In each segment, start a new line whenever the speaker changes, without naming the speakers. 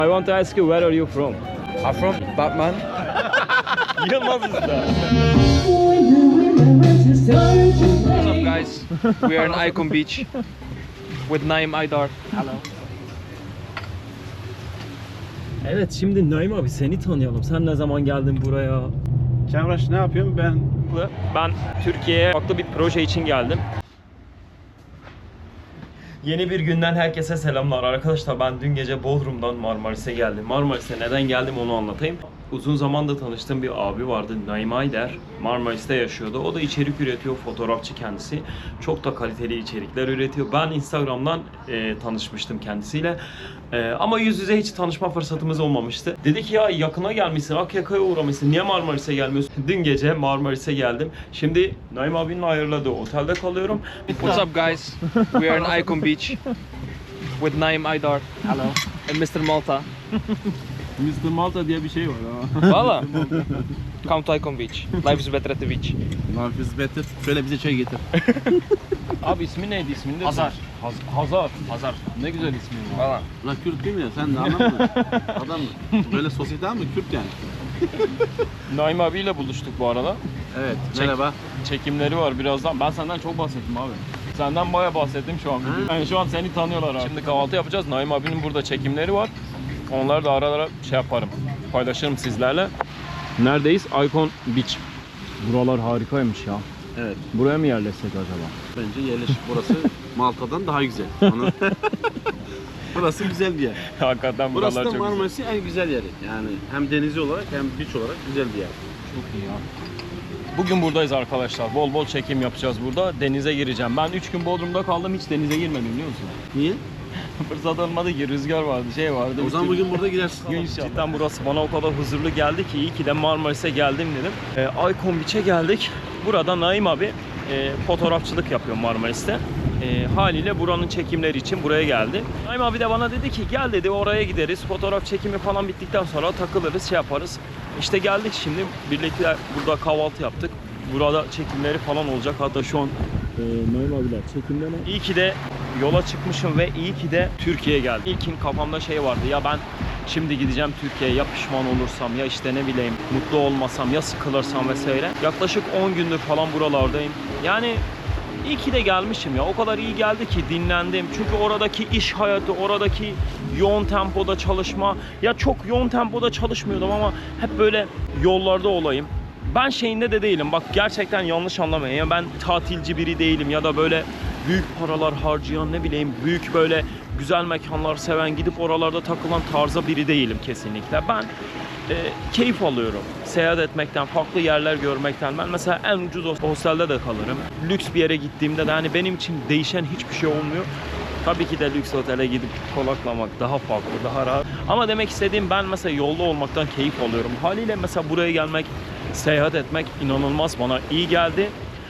I want to ask you, where are you from?
I'm from Batman.
Yılmaz Usta.
What's up, guys? We are in Icon Beach with Naim Aydar. Hello.
Evet, şimdi Naim abi seni tanıyalım. Sen ne zaman geldin buraya?
Çavraş ne yapıyorum ben?
Ben Türkiye'ye farklı bir proje için geldim. Yeni bir günden herkese selamlar arkadaşlar. Ben dün gece Bodrum'dan Marmaris'e geldim. Marmaris'e neden geldim onu anlatayım. Uzun zamanda tanıştığım bir abi vardı, Naim Aydar. Marmaris'te yaşıyordu. O da içerik üretiyor, fotoğrafçı kendisi. Çok da kaliteli içerikler üretiyor. Ben Instagram'dan tanışmıştım kendisiyle. Ama yüz yüze hiç tanışma fırsatımız olmamıştı. Dedi ki ya yakına gelmişsin, Akyaka'ya uğramışsın. Niye Marmaris'e gelmiyorsun? Dün gece Marmaris'e geldim. Şimdi Naim abinin ayarladığı otelde kalıyorum.
What's up, guys? We are in Icon Beach with Naim Aydar. Hello. And Mr. Malta.
Mr. Malta diye bir şey var ha.
Valla. Come to Icon Beach. Life is better at the beach.
Life is better. Şöyle bize çay getir.
Abi ismi neydi? İsmini de
Hazar.
Hazar.
Hazar.
Ne güzel ismi var.
Valla.
Lan Kürt değil mi ya? Sen de anlamadın. Adam böyle sosyete mi? Kürt yani.
Naim abiyle buluştuk bu arada.
Evet. Merhaba.
Çekimleri var birazdan. Ben senden çok bahsettim abi. Senden bayağı bahsettim şu an. Yani şu an seni tanıyorlar abi. Şimdi kahvaltı yapacağız. Naim abinin burada çekimleri var. Onları da ara ara şey yaparım. Paylaşırım sizlerle. Neredeyiz? Icon Beach. Buralar harikaymış ya.
Evet.
Buraya mı yerleşsek acaba?
Bence yerleşik burası Malta'dan daha güzel. Burası güzel bir yer.
Hakikaten
Burası
buralar
da
çok güzel.
Marmaris'in en güzel yeri. Yani hem denizi olarak hem beach olarak güzel bir yer.
Çok iyi ya. Bugün buradayız arkadaşlar. Bol bol çekim yapacağız burada. Denize gireceğim. Ben 3 gün Bodrum'da kaldım. Hiç denize girmedim biliyor musun?
Niye?
Fırsat olmadı ki. Rüzgar vardı, şey vardı.
O zaman bugün burada girersin.
Cidden burası bana o kadar huzurlu geldi ki iyi ki de Marmaris'e geldim dedim. Icon Beach'e geldik. Burada Naim abi fotoğrafçılık yapıyor Marmaris'te. Haliyle buranın çekimleri için buraya geldi. Naim abi de bana dedi ki gel dedi oraya gideriz. Fotoğraf çekimi falan bittikten sonra takılırız, şey yaparız. İşte geldik şimdi birlikte burada kahvaltı yaptık. Burada çekimleri falan olacak. Hatta şu an Naim abiler çekimden. İyi ki de yola çıkmışım ve iyi ki de Türkiye'ye geldim. İlkin kafamda şey vardı ya ben şimdi gideceğim Türkiye'ye ya pişman olursam ya işte ne bileyim mutlu olmasam ya sıkılırsam vesaire. Yaklaşık 10 gündür falan buralardayım. Yani iyi ki de gelmişim ya. O kadar iyi geldi ki dinlendim. Çünkü oradaki iş hayatı, oradaki yoğun tempoda çalışma. Ya çok yoğun tempoda çalışmıyordum ama hep böyle yollarda olayım. Ben şeyinde de değilim. Bak gerçekten yanlış anlamayın. Yani ben tatilci biri değilim ya da böyle büyük paralar harcayan ne bileyim büyük böyle güzel mekanlar seven gidip oralarda takılan tarza biri değilim kesinlikle. Ben keyif alıyorum. Seyahat etmekten, farklı yerler görmekten. Ben mesela en ucuz hostelde de kalırım. Lüks bir yere gittiğimde de hani benim için değişen hiçbir şey olmuyor. Tabii ki de lüks otele gidip konaklamak daha farklı, daha rahat. Ama demek istediğim ben mesela yolda olmaktan keyif alıyorum. Haliyle mesela buraya gelmek, seyahat etmek inanılmaz bana iyi geldi.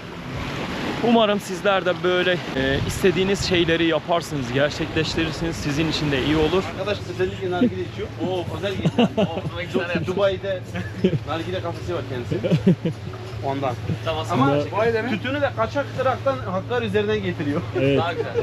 Umarım sizler de böyle istediğiniz şeyleri yaparsınız, gerçekleştirirsiniz. Sizin için de iyi olur.
Arkadaş özellikle nargile içiyor. Oo özel gitti. Dubai'de nargile kafesi var kendisi. Ondan. Ama tütünü de kaçak Irak'tan Hakkari üzerinden getiriyor.
Evet.
Daha güzel.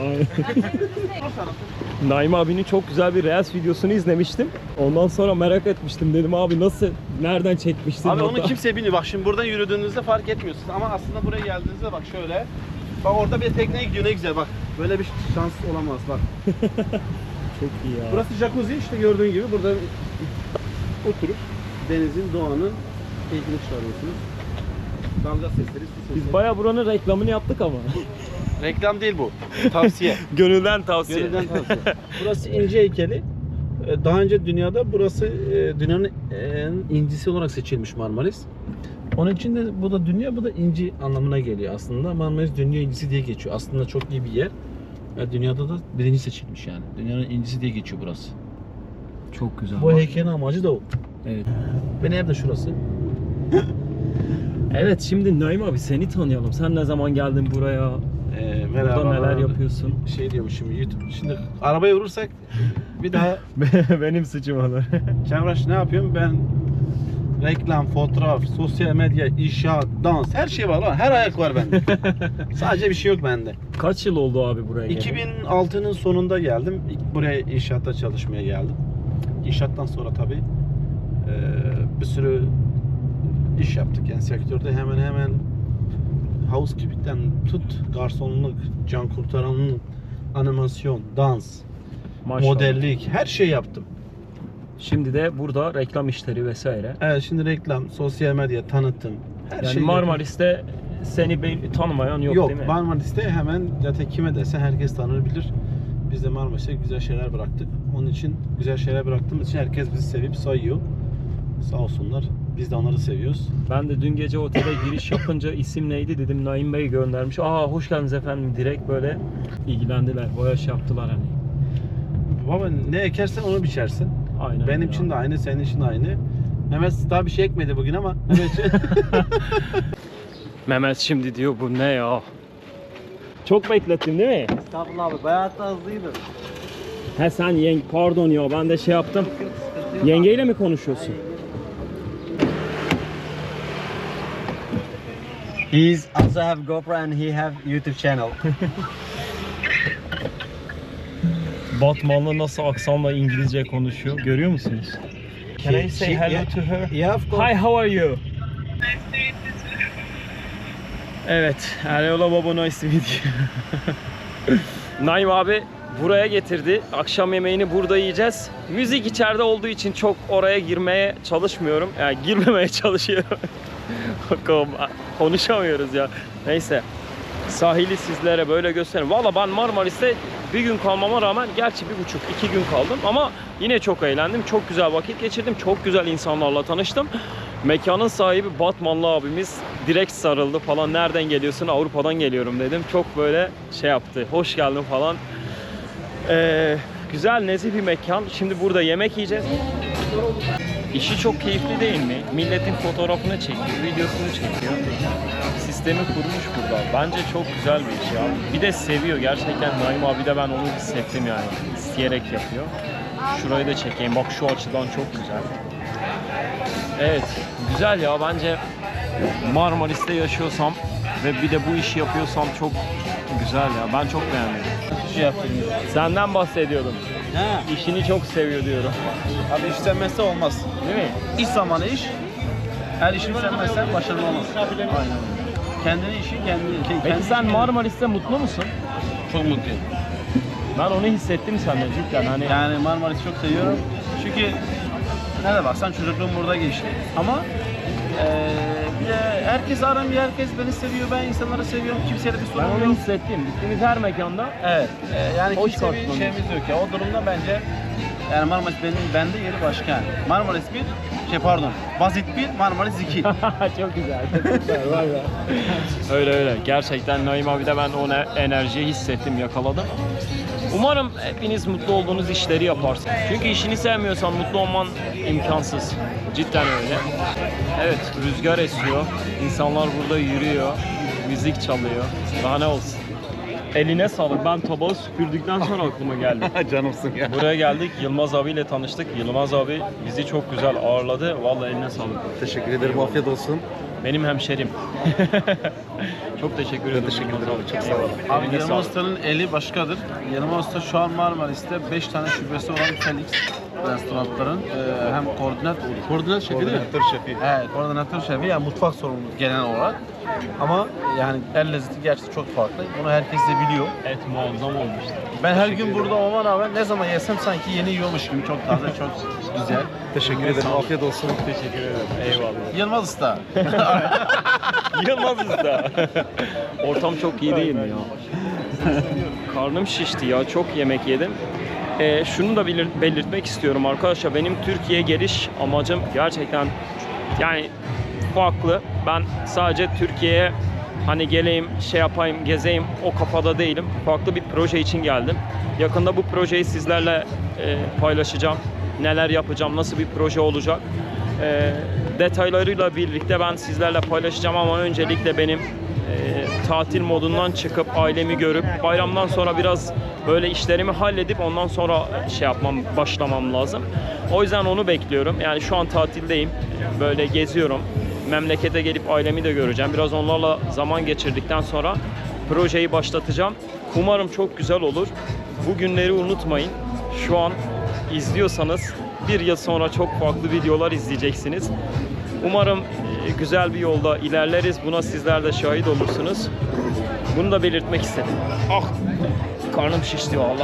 Naim abinin çok güzel bir Reels videosunu izlemiştim. Ondan sonra merak etmiştim. Dedim abi nasıl, nereden çekmiştin?
Abi onu kimse bilmiyor. Bak şimdi buradan yürüdüğünüzde fark etmiyorsunuz. Ama aslında buraya geldiğinizde bak şöyle. Bak orada bir tekneye gidiyor ne güzel bak. Böyle bir şans olamaz bak.
Çok iyi ya.
Burası jacuzzi işte gördüğün gibi burada oturup denizin, doğanın keyfini çıkarıyorsunuz. Dalga sesleri, su sesleri.
Biz bayağı buranın reklamını yaptık ama.
Reklam değil bu. Tavsiye.
Gönülden tavsiye.
Gönülden tavsiye. Burası inci heykeli. Daha önce dünyada burası dünyanın en incisi olarak seçilmiş Marmaris. Onun için de bu da dünya, bu da inci anlamına geliyor aslında. Marmaris dünya incisi diye geçiyor. Aslında çok iyi bir yer. Dünyada da birinci seçilmiş yani. Dünyanın incisi diye geçiyor burası.
Çok güzel.
Bu heykelin amacı da o.
Evet.
Ve nerede şurası?
Evet şimdi Naim abi seni tanıyalım. Sen ne zaman geldin buraya? Burada neler yapıyorsun?
Şey diyormuşum YouTube. Şimdi arabaya vurursak bir daha
Benim suçum olur.
Çavraş ne yapıyorum? Ben reklam, fotoğraf, sosyal medya, inşaat, dans her şey var lan. Her ayak var bende. Sadece bir şey yok bende.
Kaç yıl oldu abi buraya geleli?
2006'nın sonunda geldim. İlk buraya inşaatta çalışmaya geldim. inşaattan sonra tabii bir sürü iş yaptık. Yani sektörde hemen housekeeping'den tut, garsonluk, can kurtaranlık, animasyon, dans,
Maşallah.
modellik, her şey yaptım.
Şimdi de burada reklam işleri vesaire.
Evet, şimdi reklam, sosyal medya, tanıtım, her
Yani
şey
Marmaris'te seni tanımayan yok,
yok.
değil mi?
Marmaris'te hemen zaten kime dese herkes tanır bilir. Biz de Marmaris'te güzel şeyler bıraktık. Onun için güzel şeyler bıraktığımız için herkes bizi sevip sayıyor. Sağ olsunlar. Biz de onları seviyoruz.
Ben de dün gece otele giriş yapınca isim neydi dedim, Naim Bey göndermiş. Aa hoş geldiniz efendim, direkt böyle ilgilendiler, boyaş yaptılar hani.
Baba ne ekersen onu biçersin.
Aynen.
Benim
öyle
için
abi.
de aynı, senin için de aynı. Mehmet daha bir şey ekmedi bugün ama. Evet.
Mehmet şimdi diyor bu ne ya? Çok beklettim değil mi?
Estağfurullah abi, bayağı da hızlıydın.
He sen pardon ya, ben de şey yaptım.
Sıkıntı yok
Yengeyle mi konuşuyorsun?
He's also have GoPro and he have YouTube channel.
Batmanlı nasıl aksanla İngilizce konuşuyor, görüyor musunuz? Can I say hello to her?
Yeah, of course.
Hi, how are you? Evet, hello baba, nice to meet you. Naim abi buraya getirdi. Akşam yemeğini burada yiyeceğiz. Müzik içeride olduğu için çok oraya girmeye çalışmıyorum. Yani girmemeye çalışıyorum. Bakalım, konuşamıyoruz ya. Neyse. Sahili sizlere böyle göstereyim. Valla ben Marmaris'te bir gün kalmama rağmen, gerçi 1,5-2 gün kaldım ama yine çok eğlendim. Çok güzel vakit geçirdim. Çok güzel insanlarla tanıştım. Mekanın sahibi Batmanlı abimiz direkt sarıldı falan. Nereden geliyorsun? Avrupa'dan geliyorum dedim. Çok böyle şey yaptı. Hoş geldin falan. Güzel, nezih bir mekan. Şimdi burada yemek yiyeceğiz. İşi çok keyifli değil mi? Milletin fotoğrafını çekiyor, videosunu çekiyor. Sistemi kurmuş burada. Bence çok güzel bir iş ya. Bir de seviyor gerçekten Naim abi de, ben onu hissettim yani. İsteyerek yapıyor. Şurayı da çekeyim. Bak şu açıdan çok güzel. Evet, güzel ya, bence Marmaris'te yaşıyorsam ve bir de bu işi yapıyorsam çok güzel ya. Ben çok beğendim.
Şey yaptım.
Senden bahsediyordum.
Ha.
İşini çok seviyor diyorum.
Abi iş sevmezse olmaz.
Değil mi?
İş zamanı iş. Her işini sevmezsen başarılı olmaz.
Aynen.
Kendini işin kendini.
Peki sen Marmaris'te mutlu musun?
Çok mutluyum.
Ben onu hissettim senden cidden hani.
Yani Marmaris'i çok seviyorum. Çünkü nerede baksan çocukluğum burada geçti. Ama bir de herkes aramıyor, herkes beni seviyor, ben insanları seviyorum. Kimseyle bir
Ben
sorun
onu
yok.
hissettim. Gittiğimiz her mekanda
Evet. Yani
Hoş
kimse bir
karşılanıyor.
şeyimiz yok ya. O durumda bence yani Marmaris bende yeri başka. Marmaris bir, Basit bir, Marmaris 2.
çok güzel. Çok güzel var ya. Öyle. Gerçekten Naim abi de ben o enerjiyi hissettim, yakaladım. Umarım hepiniz mutlu olduğunuz işleri yaparsınız. Çünkü işini sevmiyorsan mutlu olman imkansız. Cidden öyle. Evet, rüzgar esiyor. İnsanlar burada yürüyor. Müzik çalıyor. Daha ne olsun. Eline sağlık. Ben tabağı süpürdükten sonra aklıma geldi.
Canımsın ya.
Buraya geldik. Yılmaz abiyle tanıştık. Yılmaz abi bizi çok güzel ağırladı. Vallahi eline sağlık.
Teşekkür ederim. Afiyet olsun.
Benim hemşerim. Çok teşekkür ederim.
teşekkür
Yılmaz
ederim.
abi.
Çok sağ olun.
Eyvallah.
Abi
Eline
Yılmaz
sağlık.
Usta'nın eli başkadır. Yılmaz Usta şu an Marmaris'te 5 tane şubesi olan Felix restoranların hem koordinat şefi değil mi?
şefi.
Evet, koordinatör şefi, yani mutfak sorumlusu genel olarak. Ama yani el lezzeti gerçekten çok farklı. Bunu herkes de biliyor.
Et muazzam olmuştu.
Ben her gün burada olmama rağmen ne zaman yesem sanki yeni yiyormuş gibi, çok taze, çok güzel.
Teşekkür ederim. Afiyet olsun.
Teşekkür ederim. Eyvallah.
Yılmaz Usta.
Yılmaz Usta. Ortam çok iyi değil mi ya? Karnım şişti ya. Çok yemek yedim. Şunu da belirtmek istiyorum arkadaşlar. Benim Türkiye geliş amacım gerçekten yani farklı. Ben sadece Türkiye'ye hani geleyim, şey yapayım, gezeyim o kafada değilim. Farklı bir proje için geldim. Yakında bu projeyi sizlerle paylaşacağım. Neler yapacağım, nasıl bir proje olacak. Detaylarıyla birlikte ben sizlerle paylaşacağım ama öncelikle benim tatil modundan çıkıp ailemi görüp bayramdan sonra biraz böyle işlerimi halledip ondan sonra başlamam lazım. O yüzden onu bekliyorum. Yani şu an tatildeyim. Böyle geziyorum. Memlekete gelip ailemi de göreceğim. Biraz onlarla zaman geçirdikten sonra projeyi başlatacağım. Umarım çok güzel olur. Bu günleri unutmayın. Şu an izliyorsanız bir yıl sonra çok farklı videolar izleyeceksiniz. Umarım güzel bir yolda ilerleriz. Buna sizler de şahit olursunuz. Bunu da belirtmek istedim. Ah! Karnım şişti valla.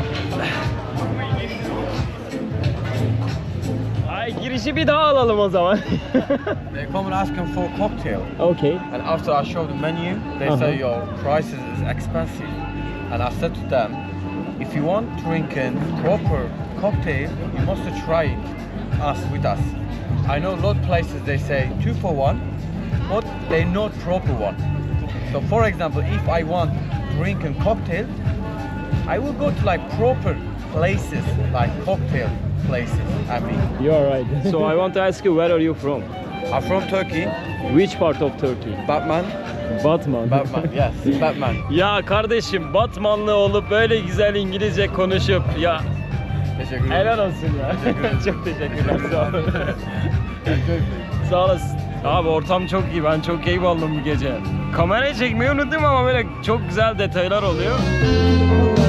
Ay girişi bir daha alalım o zaman.
They come and ask him for a cocktail,
Okay.
and after I show the menu, they say your price is expensive. And I said to them, if you want drinking proper cocktail, you must try us with us. I know a lot of places they say 2 for 1, but they not proper one. So for example, if I want drinking cocktail, I will go to like proper places, like cocktail places. I mean,
You are right. So I want to ask you, where are you from?
I'm from Turkey.
Which part of Turkey?
Batman.
Batman.
Batman. Yes, Batman.
Ya kardeşim Batmanlı olup böyle güzel İngilizce konuşup ya
Teşekkür ederim.
helal olsun ya. Çok teşekkürler. Sağ olun. Sağ olasın. Abi ortam çok iyi. Ben çok keyif aldım bu gece. Kamerayı çekmeyi unuttum ama böyle çok güzel detaylar oluyor.